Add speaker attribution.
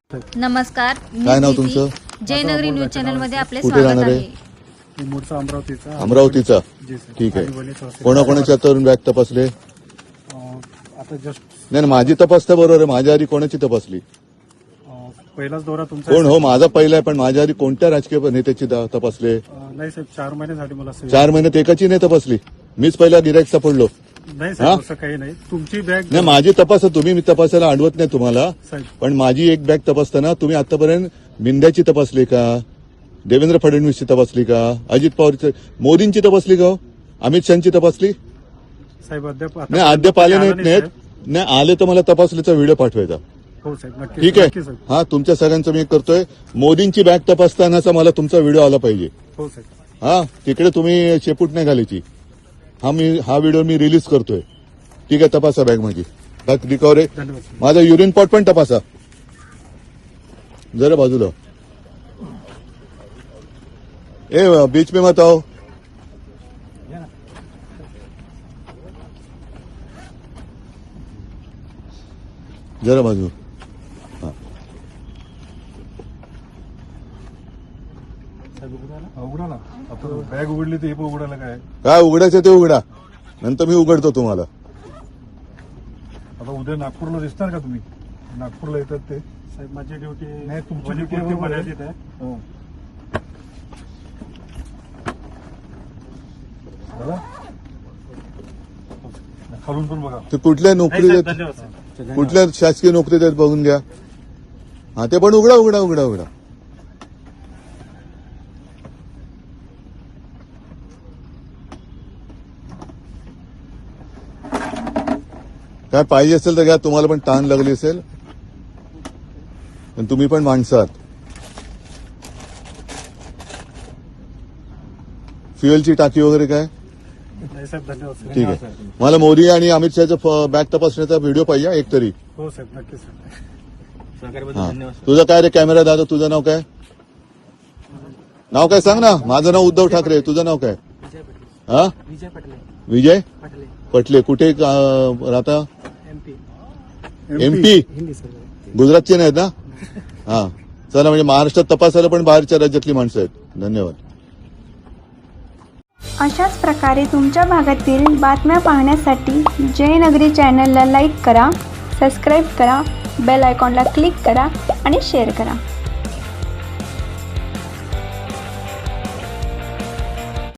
Speaker 1: नमस्कार,
Speaker 2: काय नाव तुमचं?
Speaker 1: जयनगरी न्यूज चॅनल मध्ये आपले
Speaker 2: कुठे
Speaker 1: स्वागत
Speaker 2: राहणार आहे?
Speaker 1: आहे.
Speaker 3: मूळचा अमरावतीचा.
Speaker 2: अमरावतीचा.
Speaker 3: जी सर.
Speaker 2: ठीक आहे.
Speaker 3: आणि वणी तहसील.
Speaker 2: कोणाकोणाच्या तरुण बॅग तपासले?
Speaker 3: आता जस्ट
Speaker 2: नाही माझी तपासता बरोबर आहे. माझ्या आधी कोणाची तपासली?
Speaker 3: पहिलाच दौरा तुमचा.
Speaker 2: कोण हो माझा पहिला आहे, पण माझ्या आधी कोणत्या राजकीय नेत्याची तपासले?
Speaker 3: नाही साहेब, 4 महिन्यासाठी मला
Speaker 2: 4 महिन्यात एकाची नाही तपासली. मीच पहिला गिराईक सापडलो.
Speaker 3: नाही साहेब, असं काही नाही. तुमची बॅग
Speaker 2: नाही माझी तपास तुम्ही मी तपासायला आणवत नाही तुम्हाला,
Speaker 3: साहेब.
Speaker 2: पण माझी एक बॅग तपासताना तुम्ही आतापर्यंत मिंद्याची तपासली का? देवेंद्र फडणवीसची तपासली का? अजित पवारची, मोदींची तपासली का? अमित शहाची तपासली?
Speaker 3: साहेब अद्याप
Speaker 2: नाही अद्याप आले नाहीत. नाही आले तर मला तपासलीचा व्हिडिओ पाठवायचा.
Speaker 3: हो साहेब, नक्की.
Speaker 2: ठीक आहे. हा तुमच्या सगळ्यांचं मी करतोय. मोदींची बॅग तपासतानाचा मला तुमचा व्हिडिओ आला पाहिजे.
Speaker 3: हो साहेब.
Speaker 2: हा तिकडे तुम्ही शेपूट नाही घालायची. हा व्हिडिओ मी रिलीज करतोय. ठीक आहे, तपासा बॅग माझी. बॅग रिकव्हर आहे.
Speaker 3: धन्यवाद साहेब.
Speaker 2: माझा युरिन पॉट पण तपासा जरा बाजूला. ए बीच पे मत आओ. जरा बाजू.
Speaker 3: उघडा ना. आता बॅग उघडली तर हे पण उघडायला काय?
Speaker 2: काय उघडायचं ते उघडा, नंतर मी उघडतो तुम्हाला.
Speaker 3: आता उद्या नागपूरला दिसणार का तुम्ही? नागपूरला येतात ते साहेब. माझी ड्युटी नाही, तुमची ड्युटी मर्यादित आहे. खालून पण बघा.
Speaker 2: ते कुठल्या नोकरी देत,
Speaker 3: धन्यवाद साहेब.
Speaker 2: कुठल्या शासकीय नोकरी देत बघून घ्या. हा ते पण उघडा उघडा उघडा उघडा. काय पाहिजे असेल तर घ्या. तुम्हाला पण ताण लागली असेल, पण तुम्ही पण माणसं आहात. फ्युएलची टाकी वगैरे काय?
Speaker 3: नाही साहेब, धन्यवाद साहेब.
Speaker 2: ठीक आहे. मला मोदी आणि अमित शहाचा बॅग तपासण्याचा व्हिडिओ पाहिजे एक तरी.
Speaker 3: हो साहेब, नक्की साहेब.
Speaker 2: हा. तुझं काय रे कॅमेरा दादा? तुझं नाव काय? नाव काय सांग ना. माझं नाव उद्धव ठाकरे. तुझं नाव काय? हा
Speaker 4: विजय पटले.
Speaker 2: विजय
Speaker 4: पटले.
Speaker 2: पटले. कुठे राहता?
Speaker 4: MP.
Speaker 2: MP.
Speaker 4: हिंदी सर.
Speaker 2: गुजरातचे नाहीत ना? हा चला, म्हणजे महाराष्ट्रात तपासायला पण बाहेरच्या राज्यातली माणसं आहेत. धन्यवाद.
Speaker 5: अशाच प्रकारे तुमच्या भागातील बातम्या पाहण्यासाठी जयनगरी चॅनलला लाईक करा, सबस्क्राईब करा, बेल आयकॉनला क्लिक करा आणि शेअर करा.